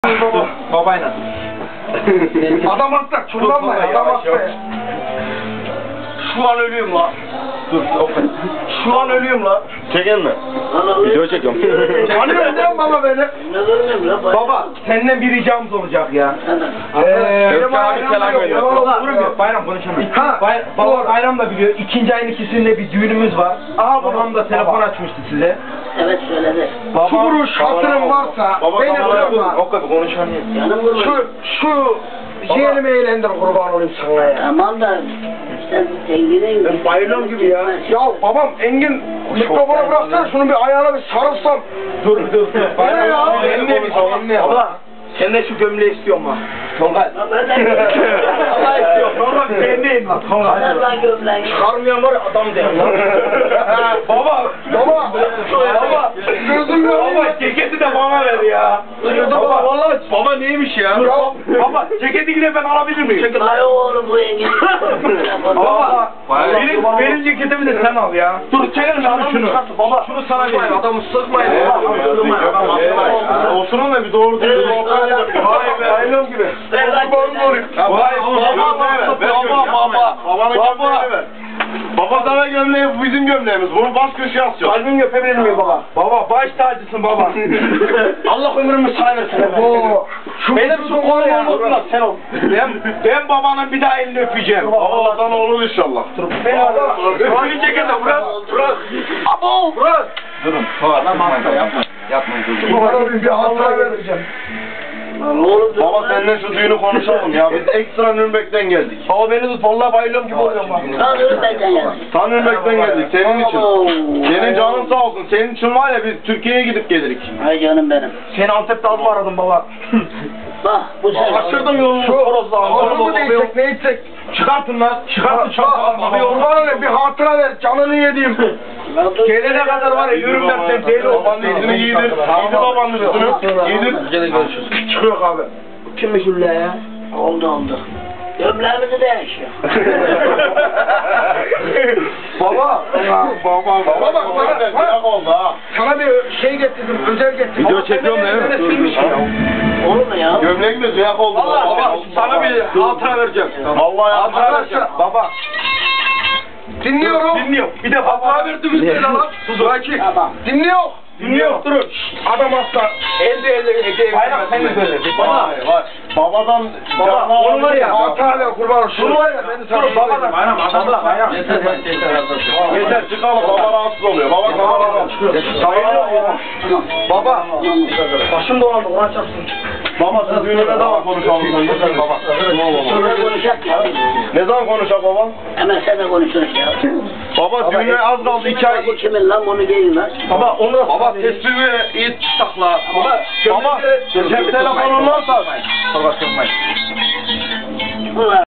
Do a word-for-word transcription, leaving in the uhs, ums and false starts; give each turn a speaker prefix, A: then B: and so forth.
A: Baba, babayla.
B: Adam hasta, çullanma ya, adam hasta ya.
A: Şu an ölüyorum la. Dur, okey. Şu an ölüyorum la.
C: Çekin mi? Video çekiyorum.
B: Tanıyor musun baba beni?
A: Baba, senden bir ricamız olacak ya.
B: Eee,
C: Özkan abi selam gönder.
A: Durmuyor, bayram konuşamıyor.
B: Ha,
A: Bay, baba
B: doğru.
A: bayram da biliyor. İkinci ayın ikisinde bir düğünümüz var.
B: Aha,
A: Babam da telefon açmıştı size.
D: Evet söyledi.
A: Baba,
B: Şu kuruş hatırın varsa
C: Baba,
B: beni
C: baba,
B: bırakma.
A: O kadar konuşamıyor.
D: Canım kurban.
B: Şu, şu yeğenimi eğlendir kurban olayım sana ya.
D: Tamam da sen zenginin...
B: Ben bayılıyorum gibi ya. Ya babam Engin mikrofonu bıraksana şunu bir ayağına bir sarılsam.
A: Dur dur.
B: Bayram ya.
A: Ben ne bir şey. Baba, sen de şu gömleği istiyorum ha. Tolga.
D: Ben de
A: Allah istiyor. Tolga ben neyim lan? Tolga.
D: Ben lan gömleği.
A: Çıkarmayan var ya adam değil lan. Baba.
B: Baba.
A: Baba.
B: Gözüm yok.
A: Baba ceketi de bana ver ya. Baba vallahi baba neymiş ya?
B: Ya.
A: Baba ceketi yine ben alabilir miyim? Çekil.
D: Ay oğlum bu engin.
A: Baba. Benim, benim ceketimi de sen al ya. Dur çekelim şunu şunu. Baba şunu sana vereyim. Adamı sıkmayın.
C: Oturun da bir doğru düzgün sohbet edelim.
A: Vay be. Aylon gibi.
C: Vay baba baba baba. Babanın gömleğini ver. Baba sana gömleği, bu bizim gömleğimiz. Bunu bas köşeye asıyor.
A: Kalbimi öpebilir miyim baba? Baba baş tacısın baba. Allah ömrümü sana versin.
B: Oo. Şu
A: Benim şu kolum olmasın da sen ol. Ben, ben babanın bir daha elini öpeceğim.
C: Allah sana olur inşallah.
A: Ben baba. Öpücü ceketi bırak. Bırak. Abo. Bırak. Durun. Adam hasta yapma. Yapmayın.
B: Bana bir hatıra vereceğim.
D: Oğlum dur.
C: Baba seninle şu düğünü konuşalım ya. Biz ekstra Nürnberg'den geldik.
A: Baba beni tut. Vallahi bayılıyorum gibi oluyorum bak.
D: Kaldır benden yani.
C: Ta Nürnberg'den geldik senin için. Senin canın sağ olsun. Senin için var ya biz Türkiye'ye gidip gelirik.
D: Ay canım benim.
A: Seni Antep'te adım aradım baba.
D: Bak bu sen.
A: Kaçırdım yolunu.
B: Şu onu mu değsek ne içsek?
A: Çıkartın lan. Çıkartın çabuk.
B: Abi kurban olayım bir hatıra ver canını yediğim.
A: Gelene kadar var ya yürüm ben sen deli ol.
C: Babanın üstünü giydir. Giydir babanın üstünü. Giydir.
A: Gene görüşürüz. Çıkıyor abi. Kimmiş Hülle ya?
D: Oldu oldu. Gömleğimizi değişiyor.
B: Baba.
C: Baba
B: Baba bak bana,
C: bak.
B: bana,
C: oldu ha.
B: sana bir şey getirdim, özel getirdim.
C: Video çekiyorum değil mi?
A: Silmiş ya.
D: Olur mu ya?
C: Gömlek de ziyak oldu.
A: Valla baba sana bir hatıra vereceğim.
C: Vallahi
A: Hatıra vereceğim. Baba.
B: Dinliyorum.
A: Dinliyorum. Bir de hatıra verdiniz bize lan. Suzaki.
D: Tamam.
B: Dinliyor.
A: Dinliyorum. Durun.
B: Adam hasta.
A: Elde elde hediye. Bayram sen de söyle. Baba.
C: Vay vay. Babadan
A: Baba,
C: canına
A: onu var ya.
B: Hatıra ver kurban olsun.
A: Şunu var ya ben de sana babadan. Bayram adamla bayram.
C: Yeter yeter çıkalım. Baba rahatsız oluyor. Baba baba rahatsız.
A: Baba. Başım dolandı. Ulan çarpsın.
C: Baba siz düğünü ne zaman konuşalım sen? Baba.
D: Sonra konuşacak ya.
C: Ne zaman konuşacak baba?
D: Hemen sen de konuşuruz ya.
C: Baba düğüne az kaldı iki ay.
D: Bu kimin lan bunu giyin lan.
A: Baba onu
C: Baba tespimi iyi tutakla.
A: Baba.
C: Baba cep telefonun varsa.
A: Baba sormayın.
D: Ulan.